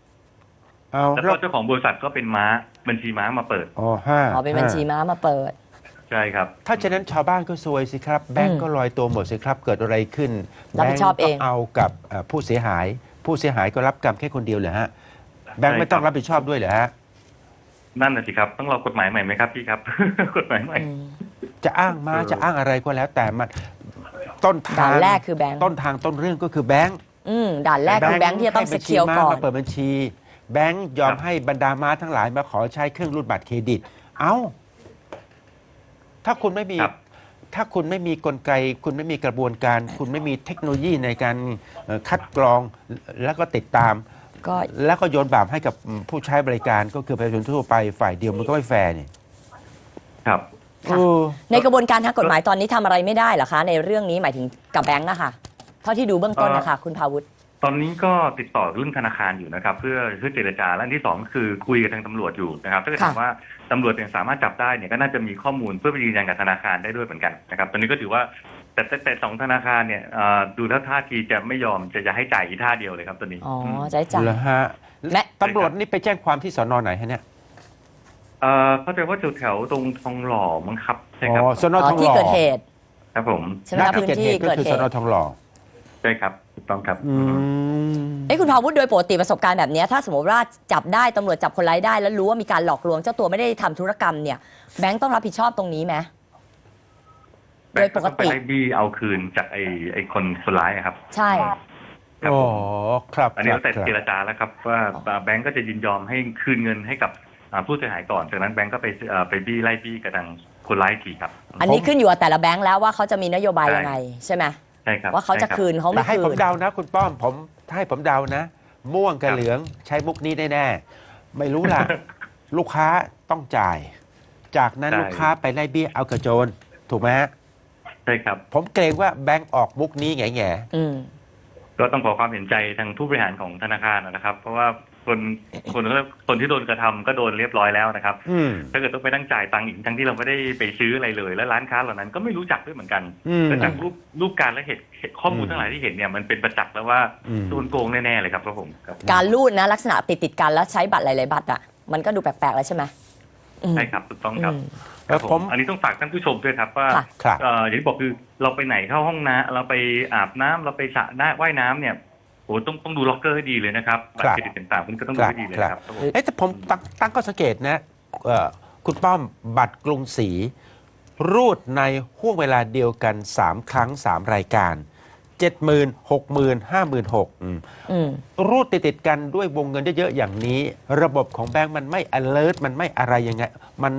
[SPEAKER 3] แล้วก็เจ้าของบริษัทก็เป็นบัญชีม้ามาเปิด
[SPEAKER 1] อ๋อห้า
[SPEAKER 2] อ๋อ เป็นบัญชีม้ามาเปิด
[SPEAKER 3] ใช่ครับ
[SPEAKER 1] ถ้าฉะนั้นชาวบ้านก็ซวยสิครับ แบงก์ก็ลอยตัวหมดสิครับ เกิดอะไรขึ้น
[SPEAKER 2] รับผิดชอบเอง
[SPEAKER 1] แบงก์ก็เอากับผู้เสียหาย ผู้เสียหายก็รับกรรมแค่คนเดียวเหรอฮะ แบงก์ไม่ต้องรับผิดชอบด้วยเหรอฮะ
[SPEAKER 3] นั่นน่ะสิครับต้องรอกฎหมายใหม่ไหมครับพี่ครับ กฎหมายใหม่
[SPEAKER 1] จะอ้างมาจะอ้างอะไรก็แล้ว แต่มันต้นทา
[SPEAKER 2] ด่าง นแรกคือแบงค์
[SPEAKER 1] ต้นทางต้นเรื่องก็คือแบงก์
[SPEAKER 2] ด่านแรกคือแบงค์ที่จะต้อง
[SPEAKER 1] ให้
[SPEAKER 2] ส
[SPEAKER 1] บัญชี
[SPEAKER 2] เกียว
[SPEAKER 1] ม้า
[SPEAKER 2] ก่อน
[SPEAKER 1] มาเปิดบัญชี แบงก์ยอม
[SPEAKER 3] ครับ
[SPEAKER 1] ให้บรรดาม้าทั้งหลายมาขอใช้เครื่องรูดบัตรเครดิต เอ้า ถ้าคุณไม่มี
[SPEAKER 3] ครับ
[SPEAKER 1] ถ้าคุณไม่มีกลไก คุณไม่มีกระบวนการ คุณไม่มีเทคโนโลยีในการคัดกรองแล้วก็ติดตาม
[SPEAKER 2] ก็
[SPEAKER 1] แล้วก็โยนบาปให้กับผู้ใช้บริการก็คือประชาชนทั่วไปฝ่ายเดียวมันก็ไม่แฟร์นี่
[SPEAKER 3] ครับ
[SPEAKER 2] ค่ะ
[SPEAKER 1] โอ้
[SPEAKER 2] ในกระบวนการทางกฎหมายตอนนี้ทำอะไรไม่ได้เหรอคะ ในเรื่องนี้หมายถึงกับแบงก์อะค่ะเท่าที่ดูเบื้องต้นนะคะคุณภาวุฒิ
[SPEAKER 3] ตอนนี้ก็ติดต่อเรื่องธนาคารอยู่นะครับเพื่อเจรจาและอันที่สองก็คือคุยกับทางตำรวจอยู่นะครับถ้าเกิด
[SPEAKER 2] ค่ะ
[SPEAKER 3] ถามว่าตำรวจเนี่ยสามารถจับได้เนี่ยก็น่าจะมีข้อมูลเพื่อไปยืนยันกับธนาคารได้ด้วยเหมือนกันนะครับตอนนี้ก็ถือว่าแต่สองธนาคารเนี่ยดูแล้วท่าทีจะไม่ยอมจะให้จ่ายอีกท่าเดียวเลยครับตอนนี้
[SPEAKER 2] อ๋อใจจ่าย
[SPEAKER 1] เหรอฮะ
[SPEAKER 2] แม่
[SPEAKER 1] ตำรวจนี่ไปแจ้งความที่สนไหนฮะเนี่ย
[SPEAKER 3] เข้าใจว่าแถวตรงทองหล่อมั้งครับใช่ครับ
[SPEAKER 1] อ๋อสนทองห
[SPEAKER 2] ที่
[SPEAKER 1] ล่อ
[SPEAKER 2] เกิดเหตุ
[SPEAKER 3] ครับผม
[SPEAKER 2] ใช่ไหม
[SPEAKER 1] ณ
[SPEAKER 2] คะพื้นที่
[SPEAKER 1] ก็
[SPEAKER 2] เกิด
[SPEAKER 1] คือ
[SPEAKER 2] เห
[SPEAKER 1] ส
[SPEAKER 2] ตุ
[SPEAKER 1] นทองหล่อ
[SPEAKER 3] ใช่ครับถูกต้องครับ
[SPEAKER 1] อืม
[SPEAKER 2] คุณภาวุฒิโดยปกติประสบการณ์แบบเนี้ยถ้าสมมติว่าจับได้ตำรวจจับคนร้ายได้ แล้วรู้ว่ามีการหลอกลวงเจ้าตัวไม่ได้ทำธุรกรรมเนี่ยแบงก์ต้องรับผิดชอบตรงนี้ไหม โดยปกติ
[SPEAKER 3] ไปไล่บี้เอาคืนจากไอ้คนร้ายอะครับ
[SPEAKER 2] ใช่
[SPEAKER 3] ครับ
[SPEAKER 1] อ๋อ
[SPEAKER 3] ผม
[SPEAKER 1] ครับ
[SPEAKER 3] อันนี้
[SPEAKER 1] ครับ
[SPEAKER 3] แต่
[SPEAKER 1] ครับ
[SPEAKER 3] เจรจาแล้วครับว่าแบงก์ก็จะยินยอมให้คืนเงินให้กับผู้เสียหายก่อนจากนั้นแบงก์ก็ไปบี้ไล่บี้กับทางคนร้ายอีกทีครับ
[SPEAKER 2] อันนี้ขึ้นอยู่กับแต่ละแบงก์แล้วว่าเขาจะมีนโยบายยังไงใช่ไหม
[SPEAKER 3] ใช่ครับ
[SPEAKER 2] ว่าเขาจะ
[SPEAKER 3] ใช่รับ
[SPEAKER 2] คืนเขา
[SPEAKER 1] แต่
[SPEAKER 2] ไม่
[SPEAKER 1] ให้
[SPEAKER 2] คื
[SPEAKER 1] ผม
[SPEAKER 2] น
[SPEAKER 1] เดานะคุณป้อมผมถ้าให้ผมเดานะ ม่วงกับ
[SPEAKER 3] ครับ
[SPEAKER 1] เหลืองใช้มุกนี้แน่ๆไม่รู้ ล่ะ ลูกค้าต้องจ่าย จากนั้น
[SPEAKER 3] ใช่
[SPEAKER 1] ลูกค้าไปไล่เบี้ยเอากระโจน ถูกไหมฮะ
[SPEAKER 3] ใช่ครับ
[SPEAKER 1] ผมเกรงว่าแบงก์ออกมุกนี้แง่
[SPEAKER 2] อืม
[SPEAKER 3] ก็ต้องขอความเห็นใจทางผู้บริหารของธนาคารนะครับ เพราะว่าคนที่โดนกระทำก็โดนเรียบร้อยแล้วนะครับ
[SPEAKER 1] ๆอืม
[SPEAKER 3] ถ้าเกิดต้องไปนั่งจ่ายตังค์อีกทั้งที่เราไม่ได้ไปซื้ออะไรเลย และร้านค้าเหล่านั้นก็ไม่รู้จักด้วยเหมือนกัน
[SPEAKER 1] อืม
[SPEAKER 3] แต่จากรูปการและเหตุข้อมูลทั้งหลายที่เห็นเนี่ยมันเป็นประจักษ์แล้วว่า
[SPEAKER 1] อืม
[SPEAKER 3] โดนโกงแน่ๆเลยครับครับผมครับ
[SPEAKER 2] การรูดนะลักษณะติดกันแล้วใช้บัตรหลายๆบัตรอ่ะมันก็ดูแปลกๆแล้วใช่ไหมอืม
[SPEAKER 3] ใช่ครับถูกต้องครับ
[SPEAKER 2] อืม
[SPEAKER 3] ครับผ
[SPEAKER 1] ผม
[SPEAKER 3] มอันนี้ต้องฝากท่านผู้ชมด้วยครับว่า
[SPEAKER 2] ค่ะ
[SPEAKER 1] ครับ
[SPEAKER 3] อย่างที่บอกคือเราไปไหนเข้าห้องน้ำเราไปอาบน้ำเราไปสระว่ายน้ำเนี่ยโอ้ต้องดูล็อกเกอร์ให้ดีเลยนะครับบัตรเครดิตต่างๆคุณก็ต้องดูให้ดีเลยนะครับครับผม
[SPEAKER 1] เอ๊ะแต่ผมตั้งข้อสังเกตนะคุณป้อมบัตรกรุงศรีรูดในห่วงเวลาเดียวกัน 3 ครั้ง 3 รายการ 70,000 60,000 56,000
[SPEAKER 2] อืม
[SPEAKER 1] รูดติดๆกันด้วยวงเงินเยอะๆอย่างนี้ ระบบของแบงก์มันไม่ alert มันไม่อะไรยังไง มัน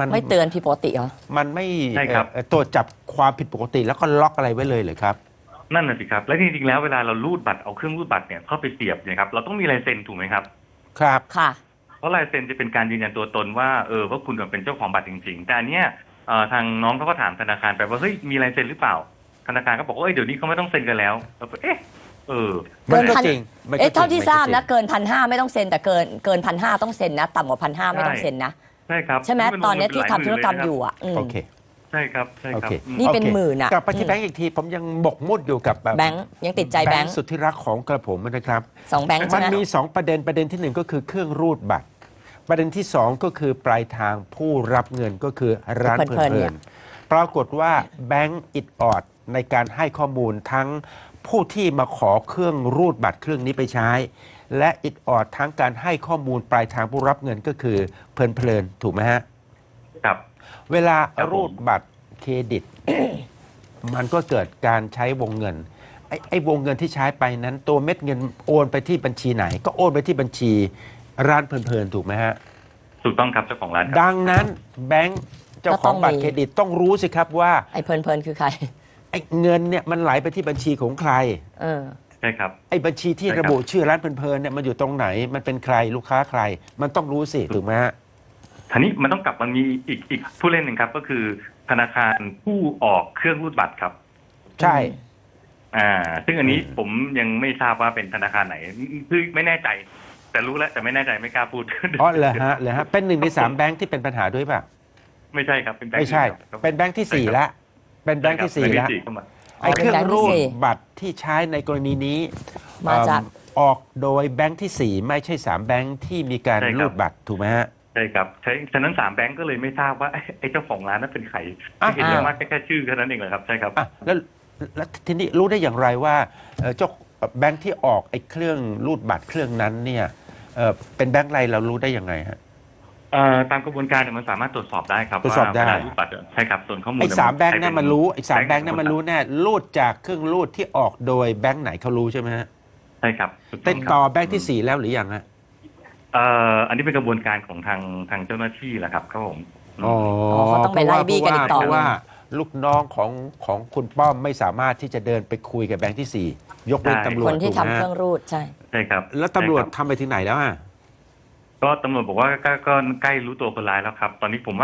[SPEAKER 2] ไม่เตือนผิดปกติเหรอ
[SPEAKER 1] มันไม่
[SPEAKER 3] ใช่ครับ
[SPEAKER 1] ตรวจจับความผิดปกติแล้วก็ล็อกอะไรไว้เลยเหรือครับ
[SPEAKER 3] นั่นน่ะสิครับและจริงๆแล้วเวลาเรารูดบัตรเอาเครื่องรูดบัตรเนี่ยเข้าไปเสียบเนี่ยครับเราต้องมีลายเซ็นถูกไหมครับ
[SPEAKER 1] ครับ
[SPEAKER 2] ค่ะ
[SPEAKER 3] เพราะลายเซ็นจะเป็นการยืนยันตัวตนว่าว่าคุณเป็นเจ้าของบัตรจริงๆแต่อันเนี้ยทางน้องเขาก็ถามธนาคารไปว่าเฮ้ยมีลายเซ็นหรือเปล่าธนาคารก็บอกว่าเดี๋ยวนี้เขาไม่ต้องเซ็นกันแล้วเราก็
[SPEAKER 1] มันก็
[SPEAKER 2] เกินพัน
[SPEAKER 1] จริงมันก็
[SPEAKER 2] เอ๊ะเท่าที่
[SPEAKER 1] จง
[SPEAKER 2] ทราบ
[SPEAKER 1] มั
[SPEAKER 2] นะ
[SPEAKER 1] ก็จง
[SPEAKER 2] เกิน1,500ไม่ต้องเซ็นแต่เกิน1,500ต้องเซ็นนะต่ำกว่า1,500ไม่ต้องเซ็นนะ
[SPEAKER 3] ใช่ครับ
[SPEAKER 2] ใช่ไหม
[SPEAKER 3] มัน
[SPEAKER 2] ตอนนี้ที่
[SPEAKER 3] หลาย
[SPEAKER 2] ทำธุรกรรม
[SPEAKER 3] หน
[SPEAKER 2] อยู่
[SPEAKER 3] เล
[SPEAKER 2] อ่ะอืม
[SPEAKER 1] โอเค
[SPEAKER 3] ใช่ครับใช่ครับ
[SPEAKER 1] โอเค
[SPEAKER 3] อืม
[SPEAKER 2] นี่เป็น
[SPEAKER 1] โอค
[SPEAKER 2] หมื่นอะ
[SPEAKER 1] กลับไปที่แบงก์อีกที ผมยังบกมุ่นอยู่กับแบบ
[SPEAKER 2] แบงค์ยังติดใจแบงค์
[SPEAKER 1] สุดที่รักของกระผมนะครับ
[SPEAKER 2] 2 แบงค์
[SPEAKER 1] มั
[SPEAKER 2] ใช่
[SPEAKER 1] น
[SPEAKER 2] ไหม
[SPEAKER 1] มี 2 ประเด็นที่ 1 ก็คือเครื่องรูดบัตร ประเด็นที่ 2 ก็คือปลายทางผู้รับเงินก็คือร้านเพลินๆปรากฏว่าแบงก์อิดออดในการให้ข้อมูลทั้งผู้ที่มาขอเครื่องรูดบัตรเครื่องนี้ไปใช้ และอิดออดทั้งการให้ข้อมูลปลายทางผู้รับเงินก็คือเพลินๆถูกไหมฮะ
[SPEAKER 3] ครับ
[SPEAKER 1] เวลา
[SPEAKER 3] ครับผม
[SPEAKER 1] รูดบัตรเครดิต มันก็เกิดการใช้วงเงินไอ้วงเงินที่ใช้ไปนั้น ตัวเม็ดเงินโอนไปที่บัญชีไหน ก็โอนไปที่บัญชีร้านเพลินๆถูกไหมฮะ
[SPEAKER 3] ถูกต้องครับเจ้าของร้านครับ
[SPEAKER 1] ดังนั้นแบงก์เจ้าของบัตรเครดิตต้องรู้สิครับว่า
[SPEAKER 2] ไอ้เพลินๆคือใคร
[SPEAKER 1] ไอ้เงินเนี่ยมันไหลไปที่บัญชีของใคร
[SPEAKER 2] เออ
[SPEAKER 3] ใช่ครับ
[SPEAKER 1] ไอ้บัญชีที่
[SPEAKER 3] ใช่ครับ
[SPEAKER 1] ระบุชื่อร้านเพลินๆเนี่ยมันอยู่ตรงไหน มันเป็นใครลูกค้าใคร มันต้องรู้สิถูกไหมฮะ
[SPEAKER 3] ทีนี้มันต้องกลับมันมีอีกผู้เล่นหนึ่งครับ ก็คือธนาคารผู้ออกเครื่องรูดบัตรครับ
[SPEAKER 1] ใช่
[SPEAKER 3] ซึ่งอันนี้ผมยังไม่ทราบว่าเป็นธนาคารไหนคือไม่แน่ใจ แต่รู้แล้วแต่ไม่แน่ใจไม่กล้าพูด
[SPEAKER 1] อ๋อเหรอฮะเป็น1 ใน 3 แบงก์ที่เป็นปัญหาด้วยป่ะ
[SPEAKER 3] ไม่ใช่ครับเป็นแบงค์
[SPEAKER 1] ไม่ใช่
[SPEAKER 3] อื่ครับ
[SPEAKER 1] เป็นแบงก์ที่
[SPEAKER 3] ใช่
[SPEAKER 1] 4
[SPEAKER 3] ครับ
[SPEAKER 1] ละเป็นแบงก์ที่ 4 แล้ว
[SPEAKER 3] แบงค์ที่เข้ามา
[SPEAKER 1] ไอ้เครื่องรูด
[SPEAKER 2] เป็นแบงค์ที่สี่
[SPEAKER 1] บัตรที่ใช้ในกรณีนี้
[SPEAKER 2] มาจาก
[SPEAKER 1] ออกโดยแบงก์ที่ 4 ไม่ใช่ 3 แบงก์ที่มีการรูดบัตรถูกไหมฮะ
[SPEAKER 3] ใช่ครับฉะนั้น3แบงก์ก็เลยไม่ทราบว่าไอ้เจ้าของร้านนั้นเป็นใคร
[SPEAKER 1] อ่ะ
[SPEAKER 3] เห็นอย่างมากแค่ชื่อแค่นั้นเองเลยครับใช่ครับ
[SPEAKER 1] อ่ะแล้วทีนี้รู้ได้อย่างไรว่าเจ้าแบงก์ที่ออกไอ้เครื่องรูดบัตรเครื่องนั้นเนี่ยเป็นแบงก์อะไรเรารู้ได้ยังไงฮะ
[SPEAKER 3] ตามกระบวนการเนี่ยมันสามารถตรวจสอบได้ครับ
[SPEAKER 1] ตรวจสอบได้
[SPEAKER 3] ว่าเวลารูดบัตรใช่ครับส่วนข้อมูล
[SPEAKER 1] ไอ้3 แบงก์นั่นมันรู้ไอ้3 แบงก์
[SPEAKER 3] ค์
[SPEAKER 1] นั่นมันรู้แน่รูดจากเครื่องรูดที่ออกโดยแบงก์ไหนเขารู้ใช่ไหมฮะ
[SPEAKER 3] ใช่ครับถูก
[SPEAKER 1] ติด
[SPEAKER 3] ครับ
[SPEAKER 1] ต่อแบงก์ที่ 4 แล้วหรือยังฮะ
[SPEAKER 3] อันนี้เป็นกระบวนการของทางเจ้าหน้าที่แหละครับครับผม
[SPEAKER 1] อ๋อ
[SPEAKER 2] เขาต้องไปไล่บี้กันอีกต่อ
[SPEAKER 1] เพราะว่าลูกน้องของคุณป้อมไม่สามารถที่จะเดินไปคุยกับแบงค์ที่ 4 ยกเว้นตำรว
[SPEAKER 2] ค
[SPEAKER 1] จ
[SPEAKER 2] นที่
[SPEAKER 1] ถูก
[SPEAKER 2] ทำ
[SPEAKER 1] ไหม
[SPEAKER 2] เครื่องรูดใช่
[SPEAKER 3] ใช่ครับ
[SPEAKER 1] แล้วตำรวจ
[SPEAKER 3] ใช่คบ
[SPEAKER 1] ทำไปถึงไหนแล้วอ่ะ
[SPEAKER 3] ก็ตำรวจบอกว่าก็ใกล้รู้ตัวคนร้ายแล้วครับ ตอนนี้ผมว่าคื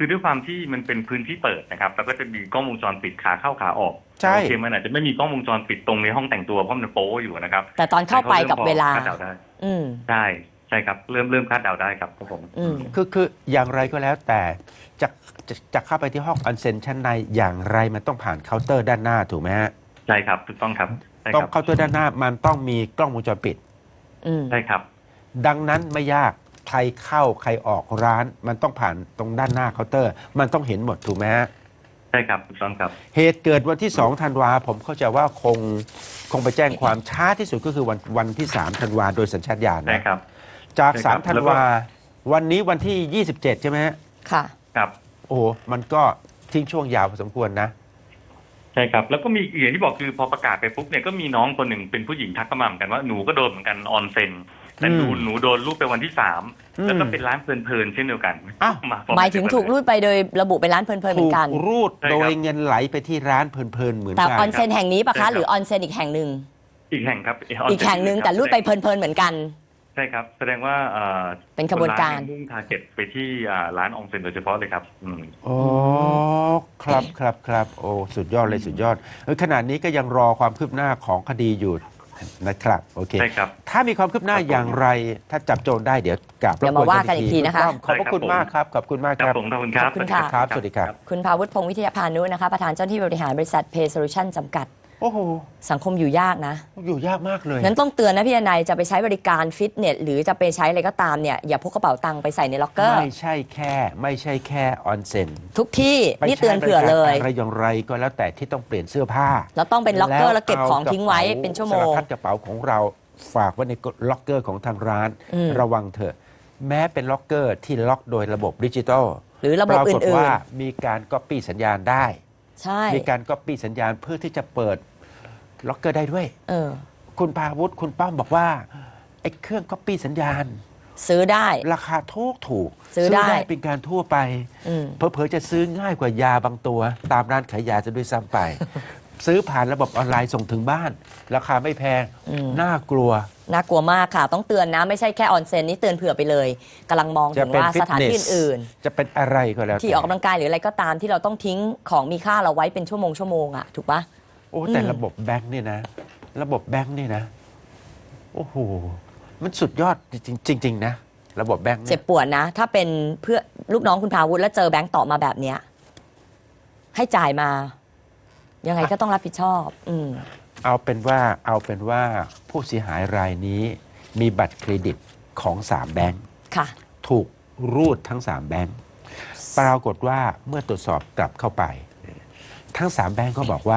[SPEAKER 3] คือด้วยความที่มันเป็นพื้นที่เปิดนะครับแล้วก็จะมีกล้องวงจรปิดขาเข้าขาออก
[SPEAKER 1] ใช่
[SPEAKER 3] โอเคมันอาจจะไม่มีกล้องวงจรปิดตรงในห้องแต่งตัวเพราะมันโป๊อยู่นะครับ
[SPEAKER 2] แต่ตอนเข้าไปกับเวลา
[SPEAKER 3] คาดเดาได้
[SPEAKER 2] อืม
[SPEAKER 3] ใช่ใช่ครับเริ่มคาดเดาได้ครับครับผม
[SPEAKER 2] อืม
[SPEAKER 1] คืออย่างไรก็แล้วแต่จะเข้าไปที่ห้องออนเซ็นชั้นในอย่างไรมันต้องผ่านเคาน์เตอร์ด้านหน้าถูกไหมฮะ
[SPEAKER 3] ใช่ครับถูกต้องครับใช่
[SPEAKER 1] ต้อ
[SPEAKER 3] ค
[SPEAKER 1] ง
[SPEAKER 3] รับ
[SPEAKER 1] เคาน์เตอร์ด้านหน้ามันต้องมีกล้องวงจรปิด
[SPEAKER 2] อืม
[SPEAKER 3] ใช่ครับ
[SPEAKER 1] ดังนั้นไม่ยากใครเข้าใครออกร้าน มันต้องผ่านตรงด้านหน้าเคาน์เตอร์ มันต้องเห็นหมดถูกไหมฮะ
[SPEAKER 3] ใช่ครับถูกต้องครับ
[SPEAKER 1] เหตุเกิดวันที่2ธันวาผมเข้าใจว่าคงไปแจ้งความช้าที่สุดก็คือวันที่3ธันวาโดยสัญชาตญาณ
[SPEAKER 3] ใช่
[SPEAKER 1] นะครับ จาก
[SPEAKER 3] ใช่ครับ
[SPEAKER 1] 3ธัน
[SPEAKER 3] แล้วก็
[SPEAKER 1] วาวันนี้วันที่27ใช่ไหมฮะ
[SPEAKER 2] ค่ะ
[SPEAKER 3] ครับ
[SPEAKER 1] โอ้โหมันก็ทิ้งช่วงยาวพอสมควรนะ
[SPEAKER 3] ใช่ครับแล้วก็มีอย่างที่บอกคือพอประกาศไปปุ๊บเนี่ยก็มีน้องคนหนึ่งเป็นผู้หญิงทักเข้ามาเหมือนกันว่าหนูก็โดนเหมือนกันออนเซ็นแต่หนูโดนรูปไปวันที่3แล้วก็เป็นร้านเพลินๆเช่นเดียวกัน
[SPEAKER 1] อ้าว
[SPEAKER 3] มาพร้อ
[SPEAKER 2] หมายถึงถูกรูดไปโดยระบุเป็นร้านเพลินๆเห
[SPEAKER 1] ถู
[SPEAKER 2] มือก นกัน
[SPEAKER 1] รูด
[SPEAKER 3] ใช่ครับ
[SPEAKER 1] โดยเงินไหลไปที่ร้านเพลินๆเหมือน
[SPEAKER 2] แต่
[SPEAKER 1] กั
[SPEAKER 2] ออนเซ็นแห่งนี้ปะ
[SPEAKER 3] ใช่ครั
[SPEAKER 2] คะ
[SPEAKER 3] บ
[SPEAKER 2] หรือออนเซ็นอีกแห่งหนึ่ง
[SPEAKER 3] อีกแห่งครับ
[SPEAKER 2] อีกแห่งหนึ่งแต่รูดไปเพลินๆเหมือนกัน
[SPEAKER 3] ใช่ครับแสดงว่า
[SPEAKER 2] เป็นขบวนการ
[SPEAKER 3] คมุ่งทาร์เก็ตไปที่ร้านออนเซ็นโดยเฉพาะเลยครับ
[SPEAKER 1] โอ้ครับโอ้สุดยอดเลยสุดยอดขณะนี้ก็ยังรอความคืบหน้าของคดีอยู่นะครับโอเค
[SPEAKER 3] ใช่ครับ
[SPEAKER 1] ถ้ามีความคืบหน้าอย่างไร ถ้าจับโจรได้เดี๋ยวกลับ
[SPEAKER 2] เดี๋ยวมาว่ากันอีกทีนะคะ
[SPEAKER 1] ขอบพระคุณมากครับขอบคุณมาก
[SPEAKER 3] ค
[SPEAKER 1] ค
[SPEAKER 3] รั
[SPEAKER 1] รั
[SPEAKER 3] บบ ผมขอบคุณครับ
[SPEAKER 2] ขอบคุณค่ะ
[SPEAKER 1] ครับสวัสดีครับ
[SPEAKER 2] คุณภาวุฒิพงศ์วิทยาพานุนะคะ ประธานเจ้าหน้าที่บริหารบริษัท Pay Solution จำกัด
[SPEAKER 1] โอ้โห
[SPEAKER 2] สังคมอยู่ยากนะ
[SPEAKER 1] อยู่ยากมากเลย
[SPEAKER 2] นั้นต้องเตือนนะพี่นายจะไปใช้บริการฟิตเนสหรือจะไปใช้อะไรก็ตามเนี่ยอย่าพกกระเป๋าตังค์ไปใส่ในล็อกเกอร์
[SPEAKER 1] ไม่ใช่แค่ออนเซ็น
[SPEAKER 2] ทุกที่นี่เตือนเผื่อเลย
[SPEAKER 1] อะไรอย่างไรก็แล้วแต่ที่ต้องเปลี่ยนเสื้อผ้า
[SPEAKER 2] แล้วต้องเป็นล็อกเกอร์แล้วเก็บของทิ้งไว้เป็นชั่วโมง
[SPEAKER 1] สารพัดกระเป๋าของเราฝากไว้ในล็อกเกอร์ของทางร้าน
[SPEAKER 2] อืม
[SPEAKER 1] ระวังเถอะ แม้เป็นล็อกเกอร์ที่ล็อกโดยระบบดิจิตอล
[SPEAKER 2] หรือระบบ
[SPEAKER 1] ปรากฏ
[SPEAKER 2] อื่น
[SPEAKER 1] ว่ามีการก๊อปปี้สัญญาณได้
[SPEAKER 2] ๆ ใช่
[SPEAKER 1] มีการก๊อปปี้สัญญาณเพื่อที่จะเปิดล็อกเกอร์ได้ด้วย
[SPEAKER 2] เออ
[SPEAKER 1] คุณพาวุฒิคุณป้อมบอกว่าไอ้เครื่องก๊อปปี้สัญญาณ
[SPEAKER 2] ซื้อได้
[SPEAKER 1] ราคาถูก
[SPEAKER 2] ซื้อได้
[SPEAKER 1] เป็นการทั่วไป
[SPEAKER 2] อืม
[SPEAKER 1] เผลอๆจะซื้อง่ายกว่ายาบางตัว ตามร้านขายยาจะด้วยซ้ำไป ซื้อผ่านระบบออนไลน์ส่งถึงบ้าน ราคาไม่แพง น่ากลัว
[SPEAKER 2] น่ากลัวมากค่ะ ต้องเตือนนะไม่ใช่แค่ออนเซ็นนี่เตือนเผื่อไปเลยกำลังมองถึ
[SPEAKER 1] จะ
[SPEAKER 2] ง
[SPEAKER 1] เป็น
[SPEAKER 2] ว่า
[SPEAKER 1] ฟิ
[SPEAKER 2] ส
[SPEAKER 1] ต
[SPEAKER 2] ถาน
[SPEAKER 1] เน
[SPEAKER 2] ที่
[SPEAKER 1] ส
[SPEAKER 2] อื่น
[SPEAKER 1] จะเป็นอะไรก็แล้ว
[SPEAKER 2] ๆที่ออกกำลังกายหรืออะไรก็ตามที่เราต้องทิ้งของมีค่าเราไว้เป็นชั่วโมงอะถูกปะ
[SPEAKER 1] โอ้แต่
[SPEAKER 2] อืม
[SPEAKER 1] ระบบแบงค์เนี่ยนะ ระบบแบงค์เนี่ยนะ โอ้โห มันสุดยอดจริง ๆ นะ ระบบแบงค์
[SPEAKER 2] เจ็
[SPEAKER 1] เนี่
[SPEAKER 2] บ
[SPEAKER 1] ย
[SPEAKER 2] ปวดนะ ถ้าเป็นเพื่อลูกน้องคุณพาวุฒิแล้วเจอแบงค์ต่อมาแบบเนี้ยให้จ่ายมา ยังไงก็ต้องรับผิดชอบ
[SPEAKER 1] เอาเป็นว่าผู้เสียหายรายนี้ มีบัตรเครดิตของ3แบงค์
[SPEAKER 2] ค่ะ
[SPEAKER 1] ถูกรูดทั้ง3แบงค์ปรากฏว่าเมื่อตรวจสอบกลับเข้าไป ทั้ง3แบงค์ก็บอกว่า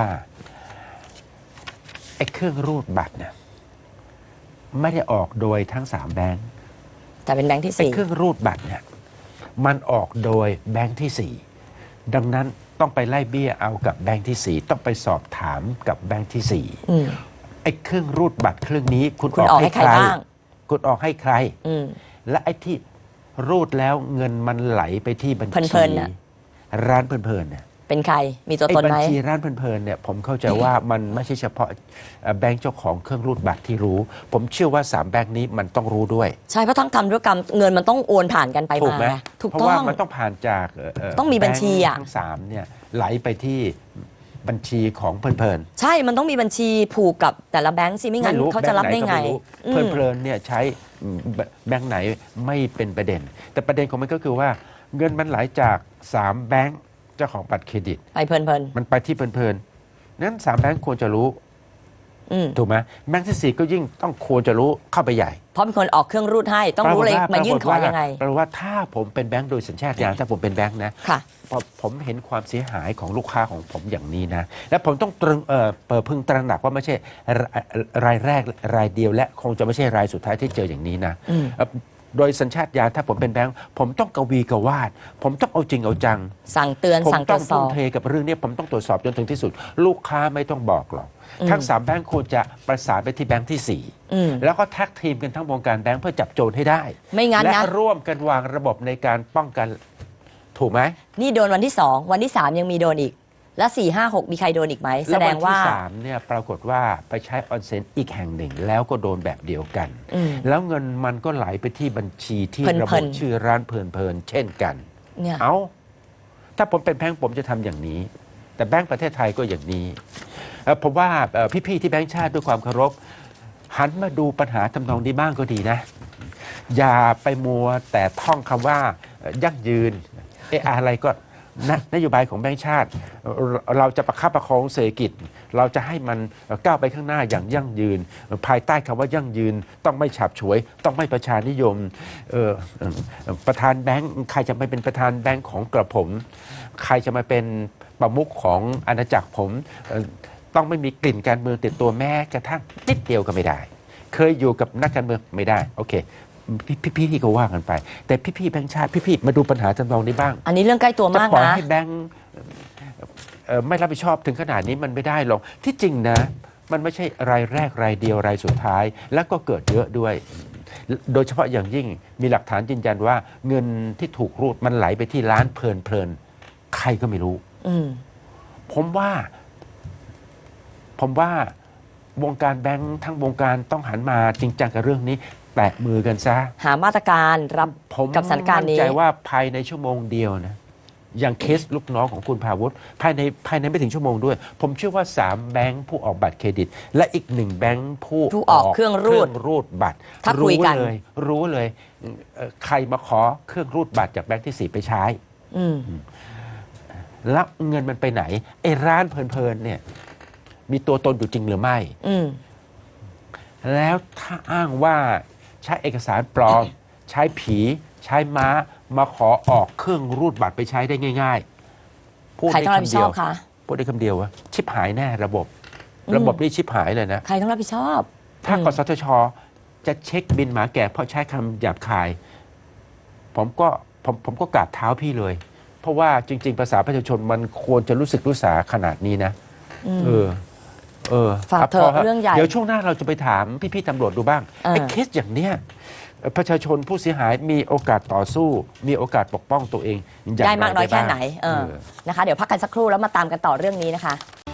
[SPEAKER 1] ไอ้เครื่องรูดบัตรเนี่ยไม่ได้ออกโดยทั้ง3แบงค์
[SPEAKER 2] แต่เป็นแบงค์ที่
[SPEAKER 1] ไอ้เครื่องรูดบัตรเนี่ยมันออกโดยแบงค์ที่ 4 ดังนั้นต้องไปไล่เบี้ยเอากับแบงค์ที่ 4 ต้องไปสอบถามกับแบงค์ที่
[SPEAKER 2] อืม
[SPEAKER 1] 4ไอ้เครื่องรูดบัตรเครื่องนี้คุณ
[SPEAKER 2] คุณออกให้ใครบ้าง
[SPEAKER 1] คุณออกให้ใคร
[SPEAKER 2] อืม
[SPEAKER 1] และไอ้ที่รูดแล้วเงินมันไหลไปที่บัญ
[SPEAKER 2] เพ
[SPEAKER 1] ชี
[SPEAKER 2] ลินๆน่ะ
[SPEAKER 1] ร้านเพลินๆเนี่ย
[SPEAKER 2] เป็นใครมีตัว
[SPEAKER 1] ไอ้
[SPEAKER 2] ตน
[SPEAKER 1] บั
[SPEAKER 2] ไหม
[SPEAKER 1] ชีร้านเพลินๆเนี่ยผมเข้าใจว่ามันไม่ใช่เฉพาะแบงค์เจ้าของเครื่องรูดบัตรที่รู้ ผมเชื่อว่า3แบงค์นี้มันต้องรู้ด้วย
[SPEAKER 2] ใช่เพราะทั้งกรรมธุรกรรมเงินมันต้องโอนผ่านกันไป
[SPEAKER 1] ถูก
[SPEAKER 2] มา
[SPEAKER 1] ไหม
[SPEAKER 2] ถูก
[SPEAKER 1] เพราะ
[SPEAKER 2] ต้อ
[SPEAKER 1] ว่าง มันต้องผ่านจาก
[SPEAKER 2] ต้องมีบัญชีอะ
[SPEAKER 1] แบงค์ทั้ง3เนี่ยไหลไปที่บัญชีของเพลินๆ
[SPEAKER 2] ใช่มันต้องมีบัญชีผูกกับแต่ละแบงค์สิไม่งั้นเขาจะรับได้ไงอืม
[SPEAKER 1] เพลินๆเนี่ยใช้แบงค์ไหนไม่เป็นประเด็น แต่ประเด็นของมันก็คือว่าเงินมันไหลจาก3แบงค์เจ้าของบัตรเครดิต
[SPEAKER 2] ไปเพลิน
[SPEAKER 1] มันไปที่เพลินๆนั้น3แบงค์ควรจะรู้
[SPEAKER 2] ๆอืม
[SPEAKER 1] ถูกไหมแบงค์ที่4ก็ยิ่งต้องควรจะรู้เข้าไปใหญ่
[SPEAKER 2] เพราะเป็นคนออกเครื่องรูดให้ต้องรู้เลยมายื่นขอยังไง
[SPEAKER 1] แปลว่าถ้าผมเป็นแบงค์โดยสัญชาตญาณถ้าผมเป็นแบงค์นะ
[SPEAKER 2] ค่ะ
[SPEAKER 1] พอผมเห็นความเสียหายของลูกค้าของผมอย่างนี้นะ และผมต้องพึงตระหนักว่าไม่ใช่รายแรกรายเดียว และคงจะไม่ใช่รายสุดท้ายที่เจออย่างนี้นะ
[SPEAKER 2] อืม
[SPEAKER 1] โดยสัญชาตญาณถ้าผมเป็นแบงค์ผมต้องกวีกวาด ผมต้องเอาจริงเอาจัง
[SPEAKER 2] สั่งเตือน
[SPEAKER 1] ผม
[SPEAKER 2] สั่งต
[SPEAKER 1] ต้
[SPEAKER 2] ร
[SPEAKER 1] อ
[SPEAKER 2] ว
[SPEAKER 1] ง
[SPEAKER 2] จส
[SPEAKER 1] ทุ่
[SPEAKER 2] อ
[SPEAKER 1] ม
[SPEAKER 2] บ
[SPEAKER 1] เทกับเรื่องนี้ผมต้องตรวจสอบจนถึงที่สุด ลูกค้าไม่ต้องบอกหรอกทั้ง3แบงค์ควรจะประสานไปที่แบงค์ที่
[SPEAKER 2] อืม
[SPEAKER 1] 4 แล้วก็แท็กทีมกันทั้งวงการแบงค์เพื่อจับโจรให้ได้
[SPEAKER 2] ไม่งั้น
[SPEAKER 1] และ
[SPEAKER 2] นะ
[SPEAKER 1] ร่วมกันวางระบบในการป้องกันถูกไหม
[SPEAKER 2] นี่โดนวันที่2วันที่3ยังมีโดนอีก และ4 5 6มีใครโดนอีกไหมแส
[SPEAKER 1] แล้ว
[SPEAKER 2] ด
[SPEAKER 1] วั
[SPEAKER 2] ง
[SPEAKER 1] น
[SPEAKER 2] ว่า
[SPEAKER 1] ที่3เนี่ยปรากฏว่าไปใช้ออนเซ็นอีกแห่งหนึ่ง แล้วก็โดนแบบเดียวกัน
[SPEAKER 2] อืม
[SPEAKER 1] แล้วเงินมันก็ไหลไปที่บัญชีที่
[SPEAKER 2] เพลินๆ
[SPEAKER 1] ระบุชื่อร้านเพลินๆเช่นกัน
[SPEAKER 2] เนี่ย
[SPEAKER 1] เอาถ้าผมเป็นแบงก์ผมจะทำอย่างนี้ แต่แบงก์ประเทศไทยก็อย่างนี้ผมว่าพี่ๆที่แบงก์ชาติด้วยความเคารพหันมาดูปัญหาทำนองนี้บ้างก็ดีนะ อย่าไปมัวแต่ท่องคำว่ายั่งยืนอะไรก็นโยบายของแบงก์ชาติ เราจะประคับประคองเศรษฐกิจ เราจะให้มันก้าวไปข้างหน้าอย่างยั่งยืน ภายใต้คำว่ายั่งยืน ต้องไม่ฉับฉวย ต้องไม่ประชานิยมประธานแบงก์ใครจะไม่เป็นประธานแบงก์ของกระผม ใครจะมาเป็นประมุขของอาณาจักรผมต้องไม่มีกลิ่นการเมืองติดตัวแม้กระทั่งนิดเดียวก็ไม่ได้ เคยอยู่กับนักการเมืองไม่ได้โอเคพี่ก็ว่ากันไป แต่พี่แบงค์ชาติพี่มาดูปัญหาจำลองนี้บ้าง
[SPEAKER 2] อันนี้เรื่องใกล้ตัว
[SPEAKER 1] จะ
[SPEAKER 2] มาก
[SPEAKER 1] ปล่อย
[SPEAKER 2] นะ
[SPEAKER 1] ให้แบงค์ไม่รับผิดชอบถึงขนาดนี้มันไม่ได้หรอกที่จริงนะ มันไม่ใช่รายแรกรายเดียวรายสุดท้าย แล้วก็เกิดเยอะด้วย โดยเฉพาะอย่างยิ่งมีหลักฐานยืนยันว่าเงินที่ถูกรูดมันไหลไปที่ร้านเพลินใครก็ไม่รู้ ผมว่าวงการแบงค์ทั้งวงการต้องหันมาจริงจังกับเรื่องนี้แตะมือกันซะ
[SPEAKER 2] หามาตรการรับ
[SPEAKER 1] ผม
[SPEAKER 2] กับสถานการณ์นี้
[SPEAKER 1] มั่นใจว่าภายในชั่วโมงเดียวนะอย่างเคสลูกน้องของคุณภาวุฒิภายในไม่ถึงชั่วโมงด้วย ผมเชื่อว่า3แบงค์ผู้ออกบัตรเครดิต และอีก1แบงค์ผู้
[SPEAKER 2] ออกเครื่องรูด
[SPEAKER 1] บัตร
[SPEAKER 2] ถ้าคุยกัน
[SPEAKER 1] รู้เลยใครมาขอเครื่องรูดบัตรจากแบงค์ที่4ไปใช้ แล้วเงินมันไปไหนไอ้ร้านเพลินเนี่ยมีตัวตนอยู่จริงหรือไม่ แล้วถ้าอ้างว่าใช้เอกสารปลอม ใช้ผีใช้ม้ามาขอออกเครื่องรูดบัตรไปใช้ได้ง่ายๆพูด
[SPEAKER 2] ใคร
[SPEAKER 1] ได้
[SPEAKER 2] ต้องรับผิ
[SPEAKER 1] คำ
[SPEAKER 2] ดช
[SPEAKER 1] เดี
[SPEAKER 2] อ
[SPEAKER 1] ยว
[SPEAKER 2] บคะ
[SPEAKER 1] พูดได้คำเดียวว่าชิบหายแน่ระบบ นี่ชิบหายเลยนะ
[SPEAKER 2] ใครต้องรับผิดชอบ
[SPEAKER 1] ถ้ากสทชจะเช็คบินหมาแก่เพราะใช้คำหยาบคาย ผมก็กราบเท้าพี่เลย เพราะว่าจริง ๆ ภาษาประชาชนมันควรจะรู้สึกรู้สาขนาดนี้นะ
[SPEAKER 2] ฝากเถอะเรื่องใหญ่
[SPEAKER 1] เดี๋ยวช่วงหน้าเราจะไปถามพี่ๆตำรวจดูบ้างไอ้เคสอย่างเนี้ยประชาชนผู้เสียหายมีโอกาสต่อสู้ มีโอกาสปกป้องตัวเองอย่าง
[SPEAKER 2] ได้มากน้อย
[SPEAKER 1] ไร
[SPEAKER 2] แค่
[SPEAKER 1] บ้าง
[SPEAKER 2] ไหนนะคะ เดี๋ยวพักกันสักครู่แล้วมาตามกันต่อเรื่องนี้นะคะ